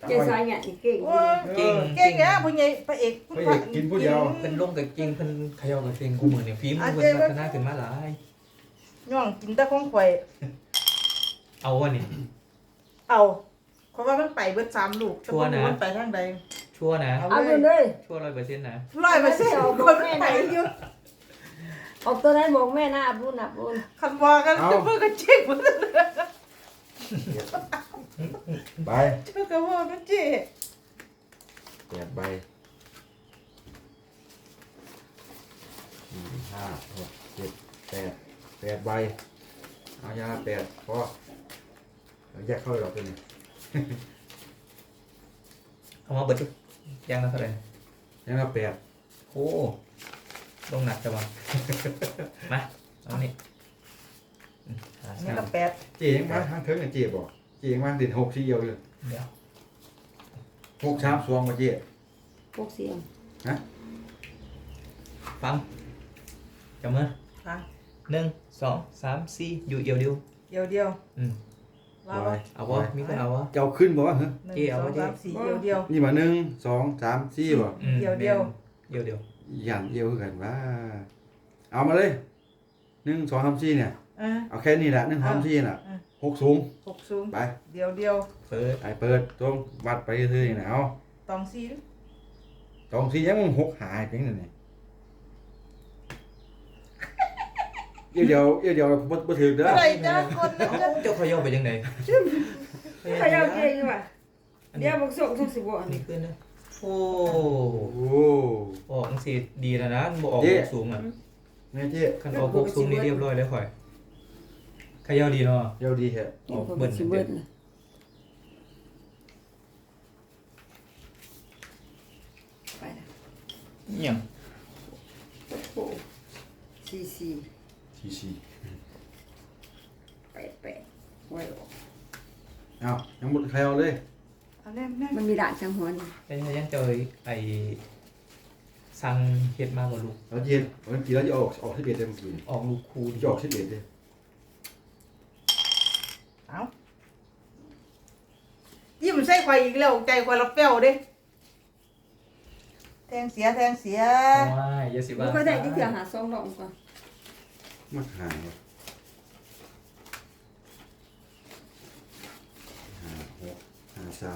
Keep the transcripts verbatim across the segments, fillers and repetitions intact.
เจ๊สายเนี่ยเก่งโอ้ยเก่งเก่งเนี่ยผู้ใหญ่พระเอกพระเอกกินผู้เดียวเพิ่นลงกับเก่งเพิ่นเขย่ากับเก่งกูมือเนี่ยฟิล์มเพิ่นพัฒนาขึ้นมาหลายย่องกินแต่ของข่อยเอาวะนี่เอาเพราะว่ามันไปเบิดสามลูกแต่บ่รู้มันไปทางใดชัวร์นะเอาเลยชัวร์ร้อยเปอร์เซ็นต์นะร้อยเปอร์เซ็นต์คนมันไปอยู่ออกตัวไหนบอกแม่นะอับรุนอับรุนคันว่ากันเพื่อก็เจ๊งหมดเลยไปเจ้าก็ว่ามันเจ๊แปดใบสี่ห้าหกเจ็ดแปดแปดใบเอายาแปดพอแยกเข้าหรอกตัวนี้เอามาเบิดจุยังละเท่าไหร่ยังละแปดโอ้ลงหนักจังวะมาเอานี่หานี่สามก็แปดเจ๊ยังมาทางเทิงเนี่ยเจ๊บอกเจ๊ยังมาติดหกสี่เอียวอยู่เดี๋ยวหกชามสวงมาเจ๊พวกเสียงฟังจับมือค่ะหนึ่งสองสามสี่อยู่เอียวเดียวเดียวเดียวอืมว่าว่าเอาวะมีคนเอาวะจะเอาขึ้นบอกว่าเฮ้ยหนึ่งเจ๊เอาสอไว้งเจ๊สามสี่เดียวเดียวนี่มาหนึ่งสองสามสี่บ่อืมเดียวเดียวเดียวเดียวอย่างเอียวคือกันว่าเอามาเลยหนึ่งสองสามสี่เนี่ยอ่ะเอาแค่นี้แหละหนึ่งสองสามสี่น่ะอ่ะหกสูงหกสูงไปเดียวเดียวเปิดไอเปิดตรงวัดไปเรื่อยๆนะเอาตองสี่ตองสี่ยังมึงหกหายเพียงนั่นนี่เดี๋ยวเดี๋ยวเดี๋ยวเดี๋ยวบ่บ่ถือเด้ออะไรจ้าคนนะเอ้าจ้าเจ้าเขย่าไปยังไงขยับเก่งว่ะเดี๋ยวบอกส่งส่งสิบวันอันนี้ขึ้นนะโอ้โอ้ออกสิดีแล้วนะบ่ออกหกสูงอ่ะแม่เจ๊คันออกหกสูงนี่เรียบร้อยแล้วข่อยเขย่าดีเนาะเดี๋ยวดีแฮะออกเบิ่นสิเบิ้ลไปละเนี่ยโอ้สี่สี่สี่สี่แปดแปดไว้ออกเอายังหมดใครเอาเลยเอาแน่แน่มันมีด่านจังหัวนี่ยังยังเจอไอ้สั่งเฮ็ดมาบ่ลูกเราเย็นเมื่อกี้เราจะออกออกที่เบ็ดเลยเมื่อกี้ออกลูกคูดิจะออกที่เบ็ดเลยเอายิ้มใส่ข่อยอีกแล้วใจข่อยรับเปรี้ยวเด้แทงเสียแทงเสียว้ายอย่าสิมัว่านก็ได้ที่เถื่อหาซองดอกก่อนมาหายห้าหกห้าสาม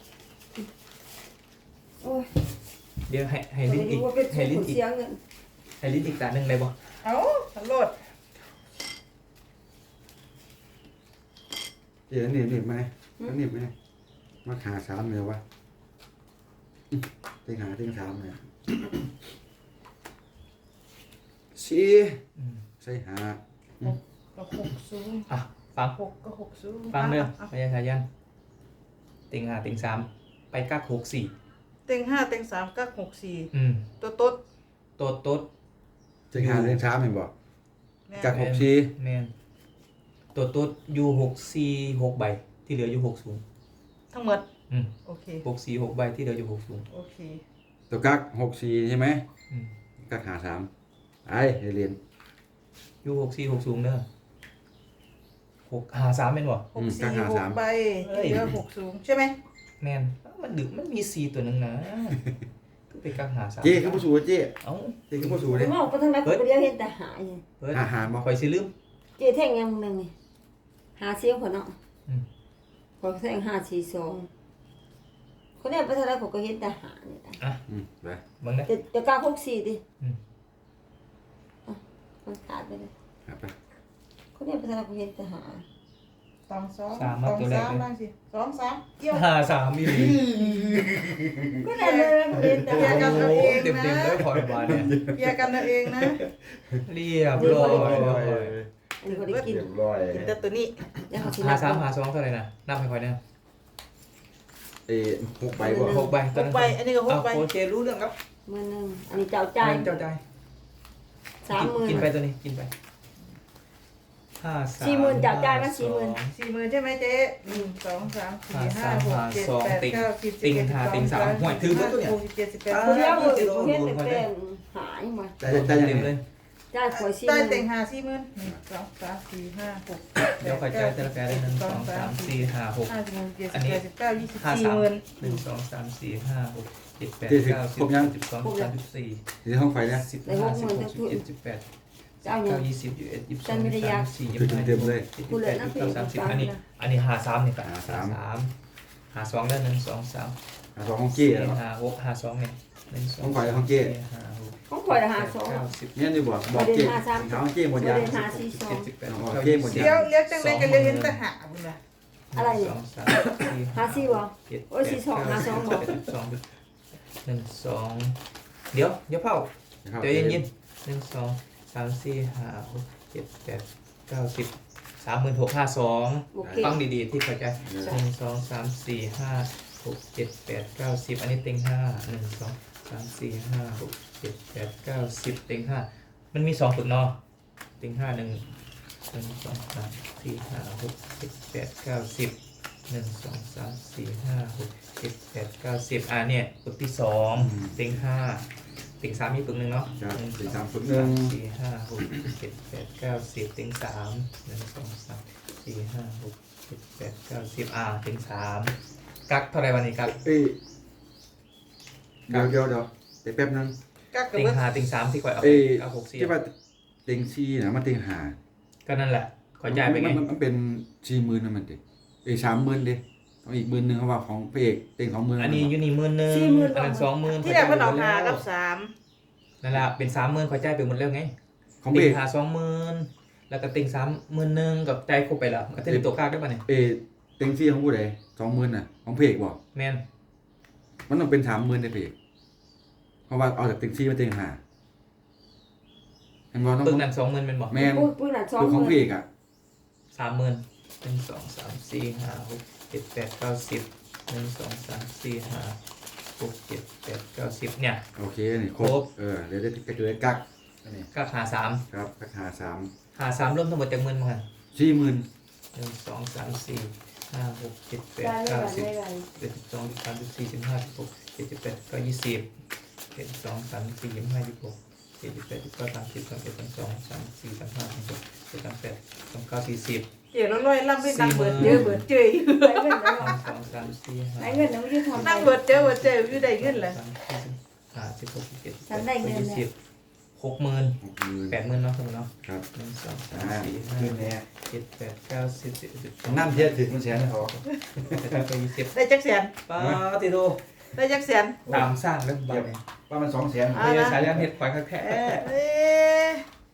โอ้ยเดี๋ยวให้ให้ลิ้นอีกว่าเป็นให้สูลิ้นงอีกเสียเงินให้ลิ้นอีกตาหนึงได้บ่เอาตลอดเดี๋ยวนี่นี่ไหมนี่ไหมมาหาสามเลยวะเต็งหาเต็งสามเลยสี่อืมใส่หาก็หกสูงอ่ะฟังหกก็หกสูงฟังเด้ออ่ะพยาชายันติงห้าติงสามไปกักหกสี่เต็งห้าเต็งสามก็หกสี่อืมตัวโต๊ดโต๊ดโต๊ดเต็งหาเต็งสามเห็นบ่แม่จากหกสี่แมนโต๊ดโต๊ดอยู่หกสี่หกใบที่เหลืออยู่หกสูงทั้งหมดอืมโอเคหกสี่หกใบที่เหลืออยู่หกสูงโอเคตัวกักหกสี่ใช่ไหมอืมกักหาสามไอ้เรียนอยู่หกสี่หกสูงเด้อหกหาสามเป็นบ่หกสี่หกใบที่เหลือหกสูงใช่ไหมแมนมันดึกมันมีสี่ตัวหนึงนะคือไปกักหาสามเจ๊คือผู้สูงเจ๊เอ้าเจ๊คือผู้สูงไม่เลยออกไปทางไหนคนเดียวเห็นแต่หายเฮ้ยหาหาบ่คอยสิลืมเจ๊แท่งยังหนึ่งนี่หาเสียงคนเนาะอืมพอแท่งห้าสี่สองคนนี้ไปทางไหนผมก็เห็นแต่หาเนี่ยอืมไปเบิ่งเด้อจะจะกล้าหกสี่ดิอืมมันขาดไปเลยหาไปคนนี้ไปทางไหนผมเห็นแต่หาสองสองสามสมาองตัวแรกสามเลยนั่งสิสองสามเกี่ยวหาสามมีหลีก็ได้เลยผมเห็นแต่โอ้หาโหเต็มเต็มๆเลยพอยบาทเนี่ยเคลียร์กันเอาเองนะเรียบร้อยเลยอันนี้ก็ได้กินเรียบร้อยกินแต่ตัวนี้แล้วเขาสิหาสามหาสองเท่าไหร่นะนับให้ค่อยนะเอ้หกใบบ่หกใบหกใบอันนี้ก็หเอากใบโอเครู้เรื่องครับมือหนึ่งอันนี้เจ้าจ่ายเจ้าใจสามหมื่นกินไปตัวนี้กินไปห้าสามสี่หมื่นจากจ่ายมาสี่หมื่นสี่หมื่นใช่ไหมเจ๊หนึ่งสองสามสี่ห้าหกเจ็ดแปดเก้าสิบสิบติงเอ็ดสิบหาสองติงสามห่วยถือว่าตัวเนี่ยหกสิบเจ็ดสิบแปดคนเดียวผมเห็นแต่เป็นหายมาใจใจใจยังเต็มไงเลยจ่ายข่อยสี่หได้มื่นเต็งหาสี่หมื่นหนึ่งสองสามสี่ห้าหกเดี๋ยวคอยจ่ายแต่ละแกได้หนึ่งสองสามสี่ห้าหกห้าสิบหกเจ็ดอัสินบนี้แปดสิบเก้ายี่สิบห้าสี่สามหมื่นหนึ่งสองสามสี่ห้าหกเจ็ดแปดเจ็ดสิบเก้าสิบครบยังสิบสองสิบสามสิบสี่ที่ห้องไฟเนี่ยสิบห้าสิบหกสิบเจ็ดสิบแปดสิบเจ้าเนี่เก้าย ยี่สิบยี่สิบเอ็ดยี่สิบสองฉันไม่ได้ยี่สิบอยาสาก มสี่ยี่คืสิอบห้าเต็มๆเลยยี่สิบแปดยี่สิบเก้าสามสิบอันนี้อันนี้หาสามนี่ก็หาสามสามหาสองแล้วหนึ่งสองสามอ่ะสองห้องเก้สี่เหรอหาหกหาสองเนี่ยหนึ่งสองของฝ่ายของเก้สี่ห้าหกของข่อยละหาสองเก้าสิบเนี่ยนี่บอกบอกเก้หาห้องเก้หมดยาเดินหาสี่สองเจ็ดสิบแปดอ๋อเก้าเก้ยี่หมดสิบยาเลี้ยวเลี้ยวจังเลยก็เลี้ยวเห็นแต่หาบุญนะอะไรเนี่ยสองสามหาสี่วะเจ็ดโอ้ยสี่สองหาสองบอกเจ็ดสองหนึ่งสองเดี๋ยวเดี๋ยวเผานะครับเดี๋ยวเย็นๆหนึ่งสองสามสี่ห้าหกเจ็ดแปดเก้าสิบสามหมื่นหกห้าสองโอเคฟังดีๆที่เข้าใจหนึ่งสองสามสี่ห้าหกเจ็ดแปดเก้าสิบอันนี้เต็งห้าหนึ่งสองสามสี่ห้าหกเจ็ดแปดเก้าสิบเต็งห้ามันมีสองฝึกเนอเต็งห้าหนึ่งหนึ่งสองสามสี่ห้าหกเจ็ดแปดเก้าสิบหนึ่งสองสามสี่ห้าหกเจ็ดแปดเก้าสิบอ่าเนี่ยฝึกที่สองเต็งห้าเต็งสามมีฝึกหนึ่งเนาะครับหนึ่งสี่สสาอมงฝึกหนึ่งสี่ห้าหกเจ็ดแปดเก้าสิบเต็งสามหนึ่งสองสามสี่ห้าหกเจ็ดแปดเก้าสิบอ่าเต็งสามกักเท่าไหรวันนี้กักเอ้ยเดี๋ยวเดี๋ยวเดี๋ยวเดี๋ยวแป๊บนึงกักกับเต็งเบิดห้าเต็งสามที่ก่อยเอาเอ้ยเอาหกสี่ที่ว่าเต็งซีนะมันเต็งหาก็นั่นแหละขอจ่ายไปไงมันมันเป็นสี่หมื่นนะมันดิเอ้ยสามหมื่นดิเอาอีกหมื่นหนึ่งเขาว่าของพระเอกเต็งสองหมื่นอันนี้อยูนี่หมื่นหนึ่งสี่หมื่นอันนั้นสองหมื่นที่แรกเพิ่นเอาหากับสามนั่นแหละเป็นสามหมื่นขอจ่ายไปหมดแล้วไงของพระเต็เอง กหาสองหมื่นแล้วก็เต็งสามหมื่นหนึ่งกับใจายครบไปแล้วก็จะได้ตัวกลางได้ป่ะเนี่ยเอ้ยเต็งซีของผู้ใดสองหมื่นน่ะของพระเอกบอกแมนมันต้องเป็นสามหมื่นในพระเอกเพราะว่าเอาจากเต็งซีมาเต็งหาเห็นว่าต้องปึกนั้นสองหมื่นเป็นบอกแม่นปุ้ยปุ้ยหนักสองคือหของมื่พระเอน กอ่ะสามหมื่นหนึ่งสองสามสี่ห้าหกเจ็ดแปดเก้าสิบหนึ่งสองสามสี่ห้าหกเจ็ดแปดเก้าสิบเนี่ยโอเคนี่ครครบบ เออเดี๋ยวได้กระจุยกักอันนี้ก็หาสามครับกักหาสามหาสามรวมทั้งหมดจากหมื่นมั้งสี่หมื่นหนึ่งสองสามสี่ห้าหกเจ็ดแปดได้ไม่เก้าไหวสิบไม่ไหวเจ็ดสิบสองสิบสามสิบสี่สิบห้าสิบหกเจ็ดสิบแปดก็ยี่สิบเจ็ดสิบสองสามสิบสี่ยี่สิบห้ายี่สิบหกเจ็ดสิบแปดสิบเก้าสามสิบสามเอ็ดสามสองสามสี่สามห้าสามหกเจ็ดสามแปดสามเก้าสี่สิบเจ๋อแล้วลอยล่ำไปนั่งเบิดเจอเบิดเจออยู่ได้เงินแล้วหนึ่งสองสามสี่ห้าได้เงินแล้วไม่ได้ทำนั่งเบิดเจอเบิดเจออยู่ได้เงินเลยสามสี่สิบห้าสิบหกสิบเจ็ดสิบแปฉัดนได้เงินยี่เนี่สิยบหกหมื่นหกหมื่นแปดหมื่นเนาะสมมติเนาะครับหนึ่งสองสามอ่าสี่ห้าขึ้นแน่เจ็ดแปดเก้าสิบสิบเอ็ดสิบสองนั่นเทียบถึงมันแสนนะเขาเจ็ดแปดเก้ายี่สิบได้จักแสนป้าติโดได้จักแสนตามสร้างเรื่องบ้านเนี่ยว่ามันสองแสนอ่าไม่ใช่สายเรื่องเห็ดควายแค่เอ๊ะเอ๊ะ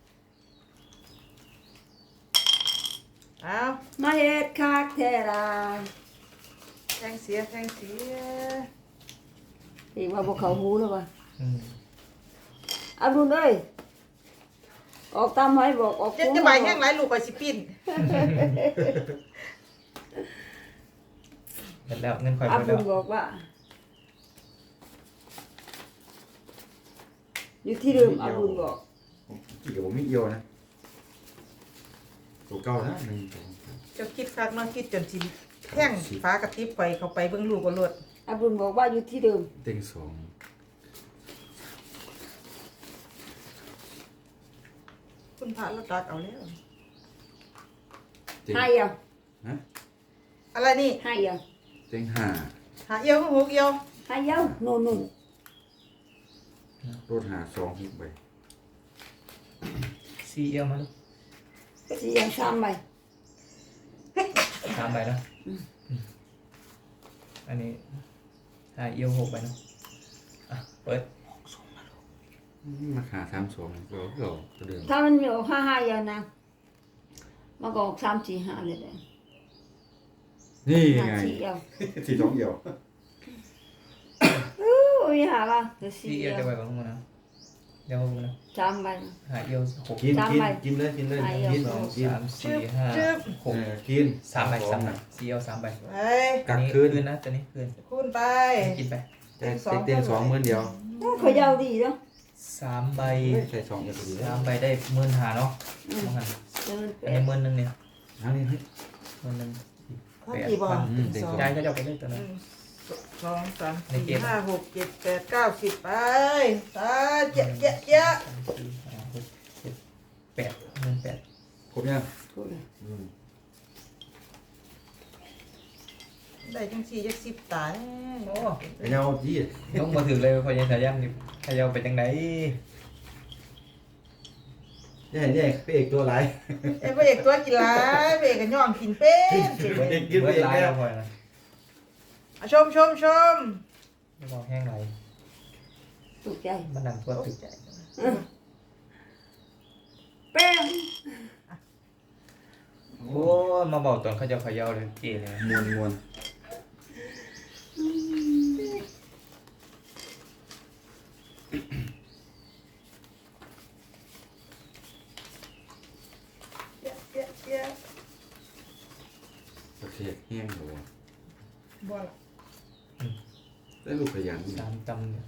เอามาเฮ็ดคากเทราแทงเสียแทงเสียอีกว่าพวกเขาหูแล้ววะอืมเอาดูเลยออกตามให้บอกออกจะจะใบแห้งหลายลูกก็สิปิ้นเสร็จแล้วเงินควายอัไปบแล้ดุวลบอกว่า อยู่ที่เดิมอับดุลบอกกี่กับผมไม่เอียวนะตัวเก้านะหนึ่งสองสามเจ้าคิดคักเนาะคิดจนสิแท่งฟ้ากระติบไปเข้าไปเบิ่งลูกก็รวดอับดุลบอกว่าอยู่ที่เดิมเต็งสองคุณพระเราตักเอาแล้วเต็งให้เอาฮะอะไรนี่ให้เอาเต็งห้าหาเอียวก็หกเอียวให้เอาโน่นนู่นรถหาสองหกใบซีเอลมาลูกสี่อย่างสามใบสามใบนะอืมอันนี้ห้าเอียวหกใบเนาะอ่ะเปิดมาขาสามสองก็ก็ก็เดิมถ้ามันมีออกห้าห้าอย่างนะมันก็ออกสามสี่ห้าเลยเลยนี่ห้าไงสี่เอาสี่สองเอียวโอ้ยหาว่าเดี๋ยวซีสี่เอลเอาจะใบของมึงนะเดี๋ยวมึงนะสามใบห้าเอียวหกกินสามกินใบกินเลยกินเลยใบกินสองกินสามสี่ห้าหเอก อกินสามใบสามใบซีเอลสามใบไปกักอันนี้คืนคืนนะตัวนี้คืนคูณไปกินไปเต็งเต็งสองหมื่นเดียวโอ้เขายาวดีเนาะสามใบใช่สองเอียวพอดีสามใบได้หมื่นหาเนาะอืมว่างั้นเดินแปอันนี้ดหมื่นหนึ่งเนี่ยทั้งนี้เฮ้ยหมื่นหนึ่งข้าวกี่บอลอืมเต็งสองยายก็จะเอาไปเล่นตัวหนั้นนึ่งสองสามในเกสี่มห้าหกเจ็ดแปดเก้าสิบไปตาเจ๊ะเจ๊ะเจ๊ะสามสี่ห้าหกเจ็ดแปแปดหมื่นแปดครบยังพูดเลยอืมได้จังสี่จักสิบตายโอ้ไอ้เงาจี้ต้องมาถึงเลยพอยังสายันนี่พยาไปจังไหนนี่นี่พระเอกตัวไรายเอ้ยพระเอกตัวกินหลายพระเอกก็ย่องกินเป็นพระเอกกินพเบิระดเอกลายแล้แล้ว วพอนะอ่ะชมชมชมไม่ต้องแห้งไหลตกใจมันนั่งตัวตึกแป้งโอ้มาบอกตอนเขาจะเขย่าเลยเก๋เลยมวนมวนเยอะเยอะเยอะประเทศแห้งหรอวะบ่ล่ะได้ลูกขยันสามตำเนี่ย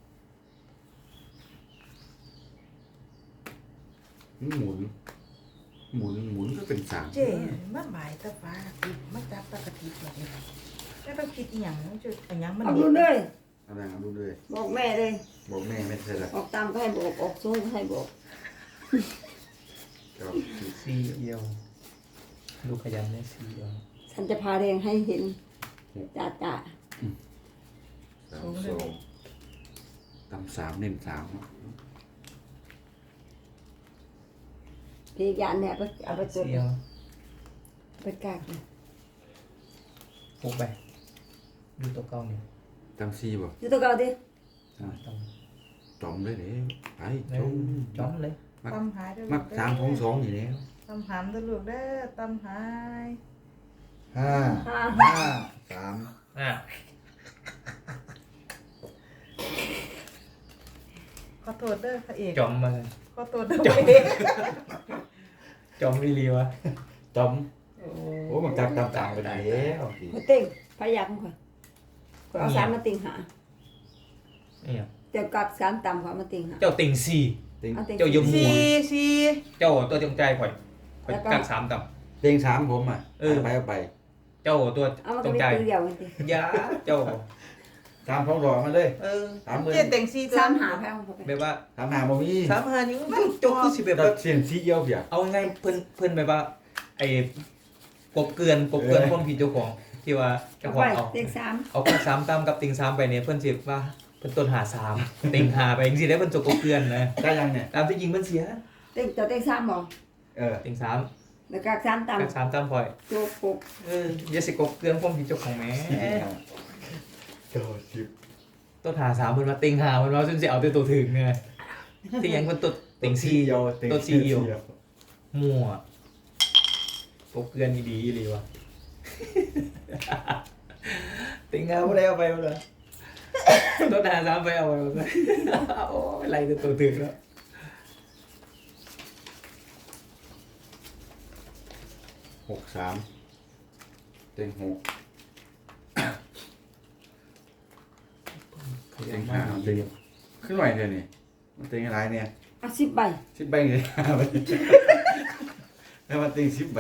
หมุน หมุนหมุนก็เป็นสามเจ๊มาหมายตะฟ้าติดมาจับตะกะติดแบบนี้แล้วต้องคิดอีหยังจุดอีหยังมันเอาดูเลยอะไรเอาดูเลยบอกแม่เลยบอกแม่ไม่ใช่ละออกตามก็ให้บอกออกสู้ก็ให้บอกก็สี่เอียวลูกขยันเนี่ยสี่เอียวฉันจะพาแรงให้เห็นจ่าจ่าสามสองตำสามเน้นสามพี่ยานเนี่ยเอาไปเอาไปตัวสี่เอียวไปกากเลยฟุกไปดูตัวเก่าเนี่ยตำสี่บ่ดูตัวเก่าดิต้องจอมเลยเด้ไปเร็จวมจ้อมเลยตำหายเด้อมักสามของสองอยู่แล้วตำหามเด้อลูกเด้อตำหายห้าห้าห้าสามอ่ะขอโทษเด้อพระเอกจอมมาเลยขอโทษเด้อพระเอกจอมวิลีวะจอมโอ้มันจับตามต่างไปไหนแล้วมาติ่งพยายามก่อนก่อนเอาสามมาติ่งหาเนี่ยเดี๋ยวกลับสามต่ำกว่ามาติ่งหาเจ้าติ่งสี่ติงเอาติ่งเจ้ายมสี่สี่เจ้าตัวจงใจข่อยข่อยกักสามต่เต็งสามผมอ่ะเออไปเอาไปำเจ้าตัวเอามาจก็งมีใจตัวเดียวกันดิอยาเจ้าสามของดอกมาเลยเออสามหมื่นเจ๊แต่งสี่ตัวสามหาแพงเข้าไปแบบว่าสามหาบ่มีสามหานิ้วเจ้าคือสิแบบแต่ว่าเสียงสีเยี่ยวเบียดเอาไงเพิ่นเพิ่นแบบว่าไอ้กบเกลือนกบเกลือนเออความผิดเจ้าของที่ว่าเจ้าเอาขอไปงเอาเต็งสามเอากักสามตามกับติ่งสามไปเนี่ยเพิ่นสิว่าเพิ่นต้นหาสามติ่งหาไปจังซี่ได้เพิ่นจกกบเกลือนนะได้ยังเนี่ยตามที่จริงเพิ่นเสียเต็งเจ้าเต็งสามบอกเออติ่งสามแล้วกากสามต่กักสามตามข่อยำโจกปุกเอออย่าสิกบเกลือนความผิดเจ้าของแหมเก้าสิบต้นหาสามเพิ่นว่าติ่งหาเพิ่นว่าซึ่งสิเอาแต่ตัวถึงไงที่ยังเพิ่นตดติ่งสี่เยี่ยวเต็งตัวสี่เอี่ยว มั่วกบเกลือนดีๆเลยวะ ติ่งหาบ่ได้เอาไปบ่ล่ะต้นหาสามไปเอาไปบ่ได้โอ้ยไล่แต่ตัวถึงแล้วหกสามเต็งหกเต็งห้าเต็งขึ้นไหวเดี๋ยวนี้มันเต็งอะไรเนี่ยเอาสิบใบสิบใบเลยห้าใบแล้วมันเต็งสิบใบ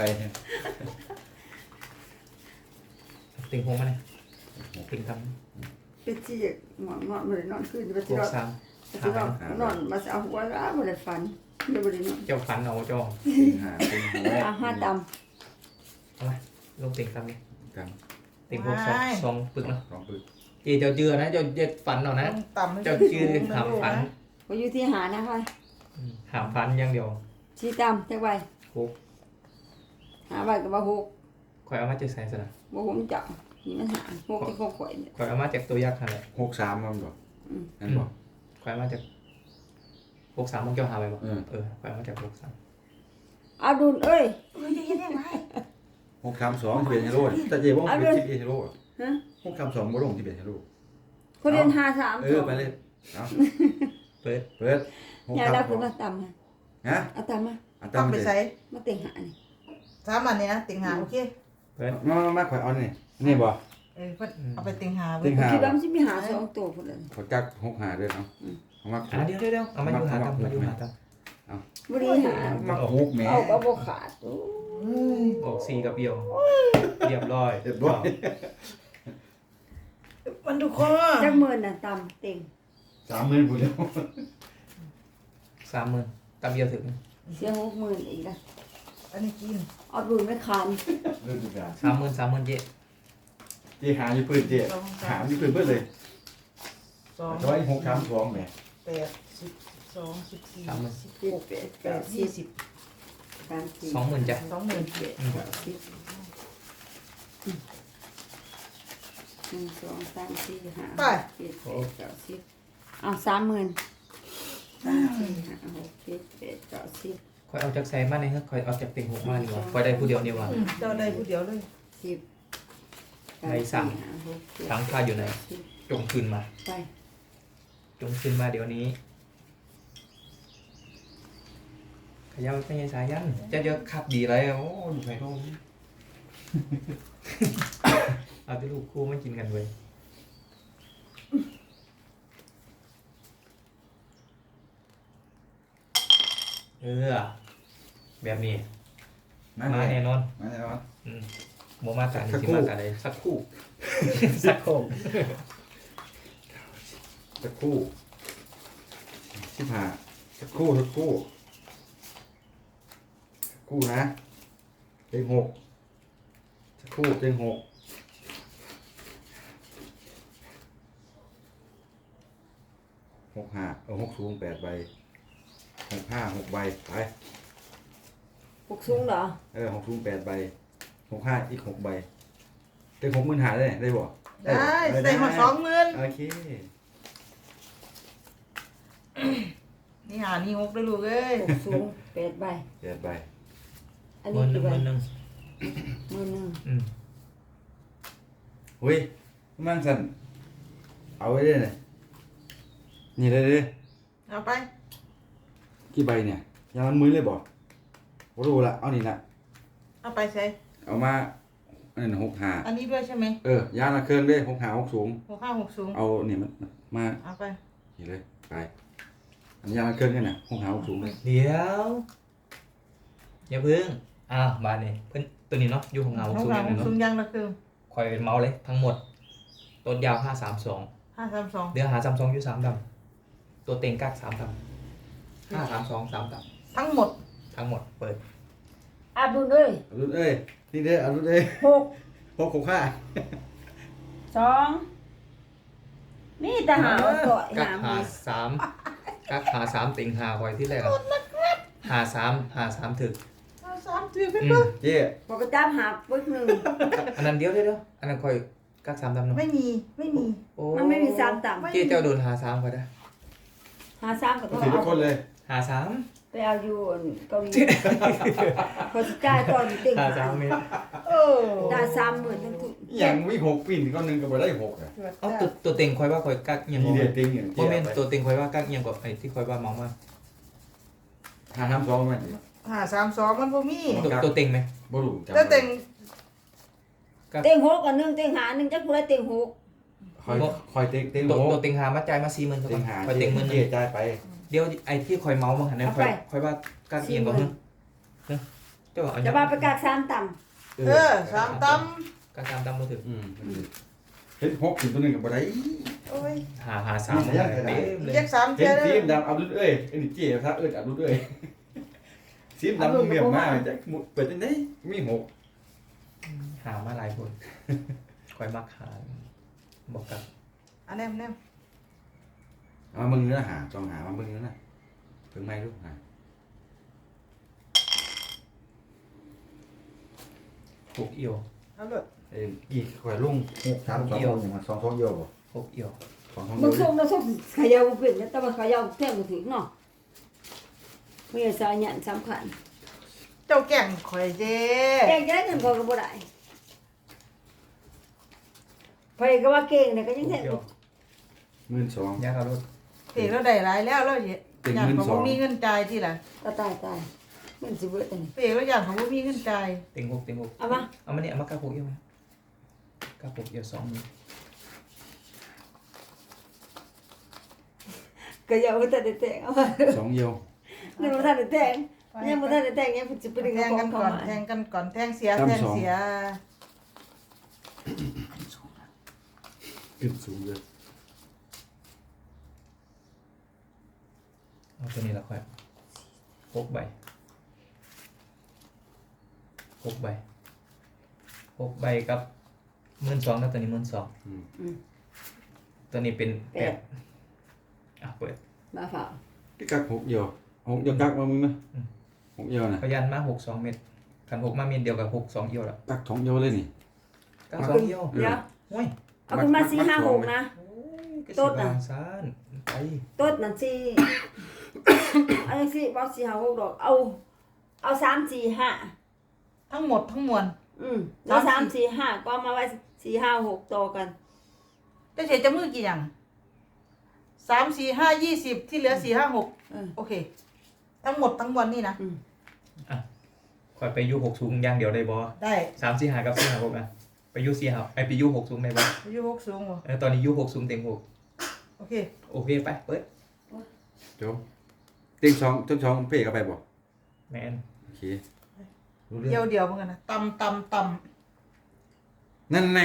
ติ่งหงมาเนี่ยติ่งทเป็นที่หมอนนอนมาเลยนอนขึ้นไปำหที่กนอนสามที่นอนนอนมาเอาหัวร้ามาเลยฝันเดี๋ยวไปนอนเจ้าฟันเอาเจ้าเต็งห้าเต็งหกเอาห้าต่เอาไหมลงติ่งทำดิกันติ่งหกสองสองปึกเนาะสองปึกเจเจ้าเจือนะเจ้าเจ็ดฟันเอานะต้องต่ำให้เจ้าชื่อหามฟันำก็อยู่ที่หานะคะอืมหามฟันอย่างเดียวชี้ต่ำจักใบหกหาใบกับว่าหกข่อยเอามาจากใส่สนะว่าผมจับนี่มันหาหกที่หกข่อยเนี่ยข่อยเอามาจากตัวยักษ์นั่นแหละหกสามมันบอกอืมนั่นบอกข่อยเอามาจากหกสามมึงเจ้าหาไปบ่เออเออข่อยเอามาจากหกสามเอาดุลเอ้ยเฮ้ยยังไงหกสามสองที่เป็นฮีโร่แต่เจ๊ว่าเอาเป็นเลยที่เป็นฮีโร่ฮะหกสามสองบ่ลงที่เป็นฮีโร่คนเรียนหาสามเออไปเลยเอาเปิดเปิดหกยายสามเราสคือองมาต่ำฮะฮะเอาต่ำมาอันต้องตามไปเลยใส่มาเต็งหานี่สามอันนี้นะติงหาโอเคเปิดมามามาข่อยเอานี่นี่บ่เออเพิ่นเอาไปติงหาติ่งหาคิดว่ามันจะมีหาสองตัวคนเลยขอจักหกหาด้วยเนาะเอามาอ่ะเดี๋ยวเดี๋ยวเดี๋ยวเอามาอยู่หาตามมาอยู่หาตามบริหารมาหกแหม่เอาก็บ่ขาดโอ้ออกสี่กับเอี่ยวเรียบร้อยเรียบร้อยมันดูคอจักหมื่นน่ะต่ำเต็งสามหมื่นผู้เดียวสามหมื่นตามเอี่ยวถึงเสียหกหมื่นอีกละอันนี้กินเอาบุญไม่คันเรื่องทุกอย่างสามหมื่นสามหมื่นเจ๊เจ๊หาอยู่พื้นเจ๊หาอยู่พื้นเพื่อเลยสองร้อยหกสามสองแหมแปดสิบสองสิบสี่สามหมื่นสิบเจ็ดหกแปดแปเก้าดสิยี่บสิบสามสี่สองหมื่นจ้ะสองหมื่นเจ็ดเก้าสิบหนึ่งสองสามสี่ห้าหกเจ็ดแปดเก้าสิบเอาสามหมื่นสามสี่ห้าหกเจ็ดแปดเก้าสิบคอยเอาจากใส่มาในเฮ้ยคอยเอาจากเต็งหกมาดีกว่าคอยได้ผู้เดียวนี่ว่าอืมเจ้าได้ผู้เดียวเลยสิบในสั่งห้าหกเจ็ดทั้งค่าอยู่ไหนสิบจงคืนมาไปจงคืนมาเดี๋ยวนี้ขยับไม่ใช่สายยันจะเยอะขับดีไรโอ้ดูไฟโร่เอาที่ลูกคู่ไม่กินกันเว้ยเออแบบนี้มาแน่นอนมาแล้วอืมโมมาตานี่สักสิครู่มาตาใดสักคู่ สักโคงสักครู่สิบห้าสักครู่สักครู่สักครู่นะเต็งหกสักครู่เต็งหกหกห้าเออหกสูงแปดใบหกห้าหกใบไปหกสูงเหรอเออหกสูงแปดใบหกห้าอีกหกใบเต็งหกหมื่นหาได้ได้บ่ได้ใส่มาสองหมื่นโอเคนี่หานี่หกได้ลูกเอ้ยหกสูงแปดใบแปดใบอันหมื่นี้นหนึ่กี่งใบหมื่นหนึ่งหมื่นหนึ่งอืมเฮ้ยมั่งสันเอาไว้ได้เลยนี่เลยเลยเอาไปกี่ใบเนี่ยยามันมือเลยบ่บ่รู้ละเอานี่ละเอาไปใส่เอามาอันนั้นหกหาอันนี้ด้วยใช่ไหมเออยาละเครื่องเด้หกหาหกสูงหกห้าหกสูงเอาเนี่ยมันมาเอาไปนี่เลยไปอันนี้ยาละเครื่องเนี่ยนะหกหาหกสูงเลยเดี๋ยวอย่าพึ่งอ้าวบานนี่เพิ่นตัวนี้เนาะอยู่ของเงาหกสูงห้าอย่างหหนึกงสูเนาะงยังละคือคอยเป็นเมาส์เลยทั้งหมดตัวยาวห้าสามสองห้าสามสองเดี๋ยวหาสามสองอยู่สามดำตัวเต็งกักสามดำห้าสามสองสามดทั้งหมดำทั้งหมดเปิดอาบุญเลยเอารุ่นเอ้ยนี่เด้อเอารุ่นเอ้ยหกหกหกห้าสองนี่แต่หาว่าต่อยกักหาหามือสามกักหาสามเต็งหาคอยที่แรกอะหาสามหาสามถึกเอาสามถือเป็นอืปะมเจ๊บอกกระจับหาปึ๊กหนึ่งอันนั้นเดียวเดียวเดียวอันนั้นคอยกักสามดำเนาะไม่มีไม่มีโอ้มันไม่มีสามต่เจ๊เจ้าโดนหาสามก็ได้ำหาสามก็ต้องถือทุเอากคนเลยหาสามไปเอาอยู่เกาหลีพอสจ่ายตอนอยู่ติ่งหาหาสามเมตรเออได้สามหมื่นทั้งทุกอย่างวิหกปิ่นก็หนึ่งก็บ่ได้หกอ่ะเอาตัวตัวเต็งคอยว่าคอยกักยังนี่บ่เด็ดติงอย่างโมเมนต์ตัวเต็งคอยว่ากักยังกว่าไอ้ที่คอยว่าเมองมาหาทำสองมันห้าสามสองมันบ่มีตัวตัวเต็งไหมบ่รู้จำแล้วแต่งเต็งหกกับหนึ่งเต็งหาหนึ่งจักผู้ใดเต็งหกคอยคอยเต็งเต็งตัวหกตัวเต็งหามาจ่ายมาสี่หมื่นเต็งหาคอยเต็งหมื่นหเจ๊นึ่งจ่ายไปเดี๋ยวไอ้ที่คอยเมาส์มาหันนั้นคอยคอยว่ากักเอียงกว่าเฮ้ยเฮ้ยเจ้าเอาจะมาประกาศสามต่เออสามตกักตามตามมาถึงอืมเห็นหกถึงตัวหนึ่งกับบ่ได้ำโอ้ยหาหาสามเต็มเลยเรียกสามเห็เท่าน เลซียมดำอับดุลเอ้ยไอ้นี่เจ๊ถ้าเอิ้นอับดุลเอ้ยซีมดำเมียมมากจะเปิดจังได๋มีหกหามาหลายคนคอยมักหาบอกกับอันแนมแนมเอามามึงเนื้อหาต้องหามามึงเนื้อน่ะถึงไม่รู้หาหกเอียวเอาเลยเอ้ยกี่ข่อยลุงหกสามสองอย่างมันสองสองเอียวบ่หกเอียวสองสองำเอีมึยงวส่งนะส่งขยาวเป็นนะแต่ว่าขยาวแท่งมือถือเนาะมีสายยันสำคัญเจ้าแก่งข่อยเจ้แก่งจะได้เงินพอก็บ่ได้ไปก็ว่าเก่งเนี่ยก็ยังหแท่กเอียวหมื่นสองยากเอารถเอกเราได้หลายแล้วเราอยเป็นากเงินเขาสองบ่มีเงินจ่ายที่ล่ะก็ตายตายเงินสิเบิดอันนี้เอกเราอยากเขาบ่มีเงินจ่ายเต็งหกเต็งหกเอามาเอามาเนี่ยเอามากักหกเอียวมากักหกเอียวสองมือก็อย่าบ่ทันได้แต่งเอามาสองเอียวนี่บ่ทันได้แต่งยังบ่ทันได้แต่งยังสิไปดึงแทเอางขอกังนเขาก่อนมาแทงกันก่อนแทงเสียแทงเสียขึ้นสูงเลยเอาตัวนี้ละค่อยหกใบหกใบหกใบกับหมื่นสองแล้วตัวนี้หมื่นสองอืมอืมตัวนี้เป็นแปแปดดอ่ะเปิดมาฝ่าพี่กักหกเดียวหกเดียวกักมามึงนะอืมหกเดียวนะพยันมาหกสองเม็ดขันหกมาเม็ดเดียวกับหกสองเอียวละกักสองเดียวเลยนี่เก้าสองเอียวเดี๋ยวโอ้ยเอาขึ้นมาสี่ห้าหกนะโอ้ยกระโต๊สิดบน่ะบางซานไปต้นนั่นสี่ อันนี้สี่บอกสี่ห้าหกดอกเอา เอาสามสี่ห้าทั้งหมดทั้งมวลอืมแล้วสาสาม มสี่สี่ห้าก็เอามาไว้สี่ห้าหกต่อกันจะเฉยจะมือกี่อย่างสามสี่ห้ายี่สิบที่เหลือสี่ห้าหกเออโอเค ทั้งหมดทั้งมวลนี่นะอืมคอยไปยูหกสูงอย่างเดียวได้บอได้สามสี่หากับสี่หาหกนะไปยูสี่หาไอไปยูหกสูงได้บออายุหกสูงเหรอเออตอนนี้ยูหกสูงเต็งหกโอเคโอเคไปเปิดโจเต็งสองเต็งสองเพ่เข้าไปบ่แมนโอเครู้เรื่เดีอยวงเดียวเหมือนกันนะตำตำตนั่นไง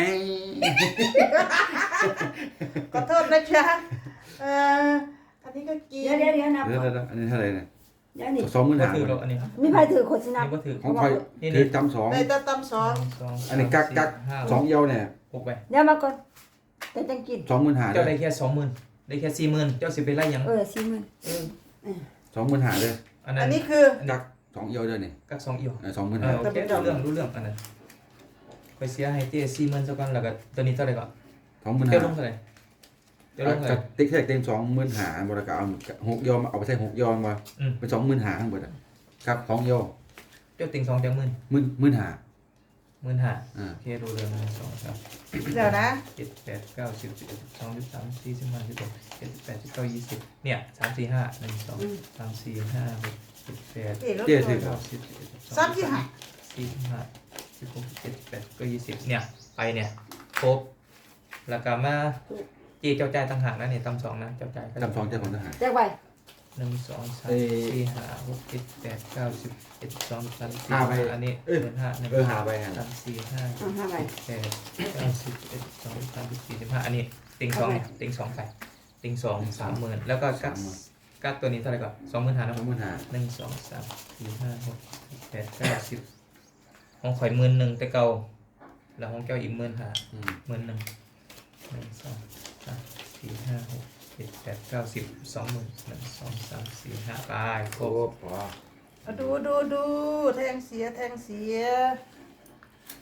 ำขอโทษนะจ๊ะเอ่ออันนี้ก็กินเดี๋ยวเดี๋ยวเดี๋ยวนับเดี๋ยวก่อนเดี๋ยวอันนี้เท่าไหร่เนี่ยเดี๋ยวนี่สองหมื่นก็ห้าถือเราอันนี้มีใครถือคนสินับนี่ก็ถือของใครนี่ถือจำสองได้แต่ตำสองสองอันนี้กักกักห้าสองเอียวเนี่ยหกไปเดี๋ยวมาก่อนแต่จังกินสองหมื่นห้าเจ้าเลได้ยแค่สองหมื่นได้แค่สี่หมื่นเจ้าสิไปไล่หยังเออสี่หมื่นเออสองหมื่นห้าเลยอันนั้อันนนี้คือกักสองเอียวเลยนี่กักสองเอียวสองหมื่นเอห้าอโอเครู้เรื่องรู้เรื่องอันนั้นไปเสียให้เจ้สี่หมื่นสักก่อนแล้วก็ตัวนี้เท่าไหร่ก่อนสองหมื่นเจ้าห้าลงเท่าไหร่เจ้าลงเท่าไหกัร่บติ๊กแท็กเต็งสองหมื่นห้าบริการเอาหกเอียวมาเอาไปใช้หกเอียวมาอืมเป็นสองหมื่นห้าทั้งหมดอะครับสองเอียวเจ้าติงสองจังหมื่นหมื่นหมื่นห้าหมื่นห้าอ่าโอเครู้เรื่องหนึ่งสองสามเดี๋ยวนะเจ็ดแปดเก้าสิบสิบเอ็ดสิบสองสิบสามสี่สิบห้าสิบหกเจ็ดสิบแปดสิบเก้ายี่สิบเนี่ยสามสี่ห้าหนึ่งสองสามสี่ห้าหกเจ็ดแปดเอ๋รถเจ๊ตัถืวอเก้าสิบสิบเอ็ดสิบสองสามสี่ห้าสี่สิบห้าสิบหกสิบเจ็ดสิบแปดก็ยี่สิบเนี่ยไปเนี่ยครบแล้วก็มาเจีเจ้าจ่ายต่างหากนะเนี่ยตำสองนะเจ้าจ่ายก็จำสองเจ้าของทหารแจกไปหนึ่งสองสามเอ้ยสี่ห้าหกเจ็ดแปดเก้าสิบเอ็ดสองสามสี่ห้าไปอันนี้เอ้ยเดือนห้าหนึ่งเออหาไปฮะสามสี่ห้าเอาห้าใบแปดเก้าสิบเอ็ดสองสามสี่สิบห้าอันนี้ติงสองเนี่ยติงสองไปติงสองสามหมื่นแล้วก็กักกักตัวนี้เท่าไหร่ก่อนสองหมื่นห้านะสองหมื่นห้าหนึ่งสองสามสี่ห้าหกเจ็ดแปดเก้าสิบของข่อยหมื่นหนึ่งแต่เก่าแล้วของแก้วอีกหมื่นห้าอืมหมื่นหนึ่งหนึ่งสองสามสี่ห้าหกเจ็ดแปดเก้าสิบสองหมื่นหนึ่งสองสามสี่ห้าไปครโอ้บพอเอาดูดูดูแทงเสียแทงเสียอ